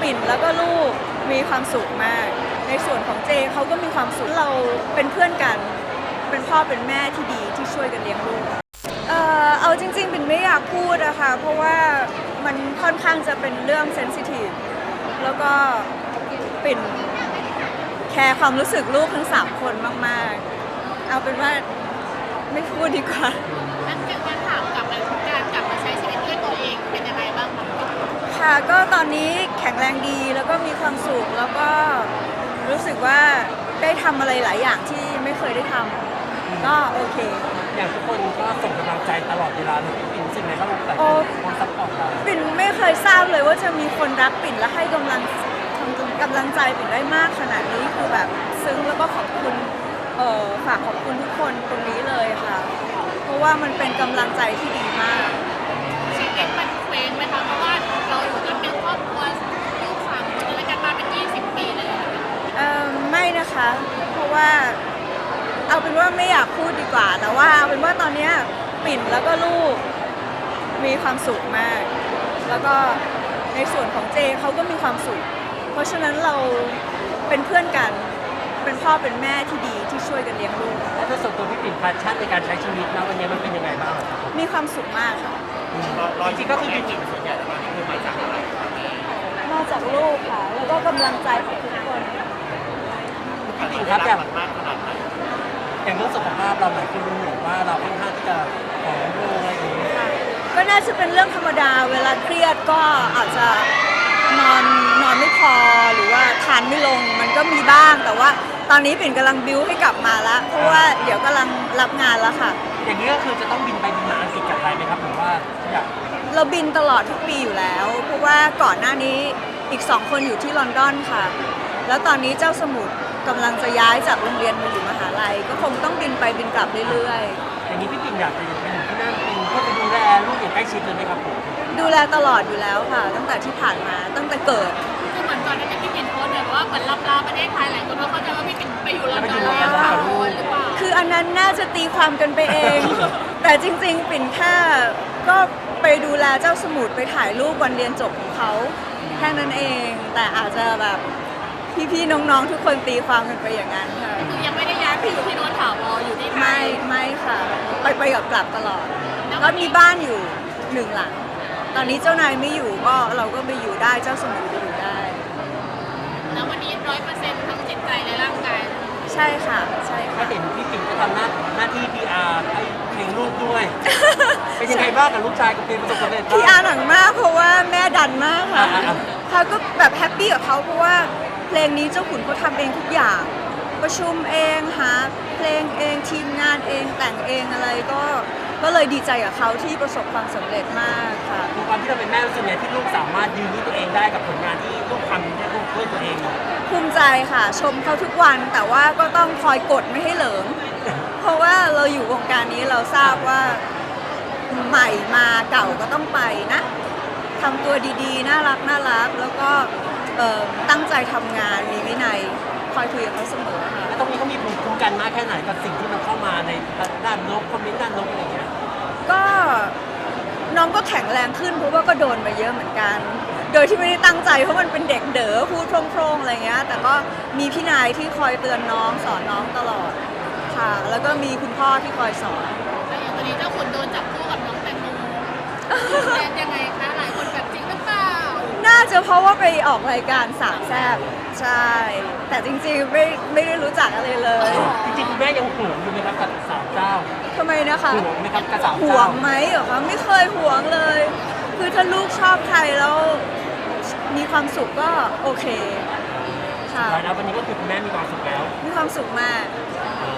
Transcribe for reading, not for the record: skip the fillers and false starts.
ปิ่นแล้วก็ลูกมีความสุขมากในส่วนของเจเขาก็มีความสุขเราเป็นเพื่อนกันเป็นพ่อเป็นแม่ที่ดีที่ช่วยกันเลี้ยงลูกเอาจริงๆปิ่นไม่อยากพูดอะค่ะเพราะว่ามันค่อนข้างจะเป็นเรื่องเซนซิทีฟแล้วก็ปิ่นแคร์ความรู้สึกลูกทั้ง3 คนมากๆเอาเป็นว่าไม่พูดดีกว่านั่นคือการถามกลับมาการกลับมาใช้ชีวิตด้วยตัวเองเป็นยังไงบ้างคะค่ะก็ตอนนี้แข็งแรงดีแล้วก็มีความสุขแล้วก็รู้สึกว่าได้ทำอะไรหลายอย่างที่ไม่เคยได้ทำก็โอเคอย่างทุกคนก็ส่งกำลังใจตลอดเวลาเลยพี่ปิ่นสิ่งไหนบ้างแต่คนซัพพอร์ตเราปิ่นไม่เคยทราบเลยว่าจะมีคนรักปิ่นและให้กำลังใจปิ่นได้มากขนาดนี้คือแบบซึ้งแล้วก็ขอบคุณฝากขอบคุณทุกคนตรงนี้เลยค่ะเพราะว่ามันเป็นกำลังใจที่ดีมากชีวิตมันเคว้งไหมคะเพราะว่าเราอยู่กันเป็นครอบครัวลูก3 คนแล้วกันมาเป็น20 ปีเลยไม่นะคะเพราะว่าเอาเป็นว่าไม่อยากพูดดีกว่าแต่ว่าเอาเป็นว่าตอนนี้ปิ่นแล้วก็ลูกมีความสุขมากแล้วก็ในส่วนของเจเขาก็มีความสุขเพราะฉะนั้นเราเป็นเพื่อนกันเป็นพ่อเป็นแม่ที่ดีที่ช่วยกันเลี้ยงลูกแล้วถ้าส่วนตัวพี่ปิ่นแพชชั่นในการใช้ชีวิตนะวันนี้มันเป็นยังไงบ้างมีความสุขมากค่ะจริงๆก็คือพี่ปิ่นส่วนใหญ่แล้วนี่คือมาจากอะไรมาจากลูกค่ะแล้วก็กำลังใจของทุกคนพี่ปิ่นครับอย่างเรื่องสุขภาพเราหลายคนรู้ว่าเราค่อนข้างที่จะผอมลงอะไรอย่างเงี้ยก็น่าจะเป็นเรื่องธรรมดาเวลาเครียดก็อาจจะนอนไม่พอหรือว่าทานไม่ลงมันก็มีบ้างแต่ว่าตอนนี้ปิ่นกำลังบิ้วให้กลับมาแล้วเพราะว่าเดี๋ยวกำลังรับงานแล้วค่ะอย่างนี้ก็คือจะต้องบินไปบินมาอังกฤษกับไทยไหมครับหรือว่าเราบินตลอดทุกปีอยู่แล้วเพราะว่าก่อนหน้านี้อีก2 คนอยู่ที่ลอนดอนค่ะแล้วตอนนี้เจ้าสมุทรกำลังจะย้ายจากโรงเรียนมาอยู่มหาลัยก็คงต้องบินไปบินกลับเรื่อยๆอย่างนี้พี่ปิ่นอยากจะไปอยู่ที่นั่นเป็นเพื่อไปดูแลลูกอย่างใกล้ชิดเลยไหมครับผมดูแลตลอดอยู่แล้วค่ะตั้งแต่ที่ผ่านมาตั้งแต่เกิดคือเหมือนก่อนที่พี่ปิ่นโพสต์แบบว่าเหมือนลาประเทศไทยหลายคนก็เข้าใจว่าพี่ปิ่นไปอยู่ลอนดอนแล้วค่ะหรือเปล่าคืออันนั้นน่าจะตีความกันไปเอง แต่จริงๆปิ่นแค่ก็ไปดูแลเจ้าสมุทรไปถ่ายรูปวันเรียนจบของเขาแค่นั้นเองแต่อาจจะแบบพี่ๆน้องๆทุกคนตีความกันไปอย่างนั้นค่ะคือยังไม่ได้ย้ายไปอยู่ที่โน่นถาวรอยู่ที่ไทยไม่ค่ะไปกับกลับตลอดก็มีบ้านอยู่1 หลังตอนนี้เจ้านายไม่อยู่ก็เราก็ไปอยู่ได้เจ้าสมุทรไปอยู่ได้แล้ววันนี้100%ทั้งจิตใจและร่างกายใช่ค่ะใช่ก็ค่ะเห็นพี่ปิ่นก็ทำหน้าที่ PR ให้เพลงลูกด้วยเป็นยังไงบ้างกับลูกชายกับเพลงประสบความสำเร็จ PR หนังมากเพราะว่าแม่ดันมากค่ะเขาก็แบบแฮปปี้กับเขาเพราะว่าเพลงนี้เจ้าขุนเขาทำเองทุกอย่างประชุมเองหาเพลงเองทีมงานเองแต่งเองอะไรก็เลยดีใจกับเขาที่ประสบความสำเร็จมากค่ะคือความที่เราเป็นแม่รู้สึกไงที่ลูกสามารถยืนด้วยตัวเองได้กับผลงานที่ลูกทำด้วยตัวเองภูมิใจค่ะชมเขาทุกวันแต่ว่าก็ต้องคอยกดไม่ให้เหลิงเพราะว่าเราอยู่วงการนี้เราทราบว่าใหม่มาเก่าก็ต้องไปนะทำตัวดีๆน่ารักแล้วก็ตั้งใจทำงานมีวินัยคอยคุยกับเขาเสมอค่ะแล้วตรงนี้เขามีภูมิคุ้มกันมากแค่ไหนกับสิ่งที่มันเข้ามาในด้านลบคอมเมนต์ด้านลบอะไรอย่างเงี้ยก็น้องก็แข็งแรงขึ้นเพราะว่าก็โดนมาเยอะเหมือนกันโดยที่ไม่ได้ตั้งใจเพราะมันเป็นเด็กเด๋อพูดโพร่งๆอะไรเงี้ยแต่ก็มีพี่นายที่คอยเตือนน้องสอนน้องตลอดค่ะแล้วก็มีคุณพ่อที่คอยสอนแล้วอย่างตอนนี้เจ้าขุนโดนจับคู่กับน้องแตงโมยังไงคะหลายคนแบบจริงหรือเปล่าน่าจะเพราะว่าไปออกรายการสามแซ่บใช่แต่จริงๆไม่ได้รู้จักอะไรเลยจริงๆคุณแม่ยังห่วงอยู่ไหมครับกับสาวเจ้าทำไมนะคะห่วงไหมครับกับสาวเจ้าห่วงไหมเหรอคะไม่เคยห่วงเลยคือถ้าลูกชอบใครแล้วมีความสุขก็โอเคค่ะแล้ววันนี้ก็คือคุณแม่มีความสุขแล้วมีความสุขมาก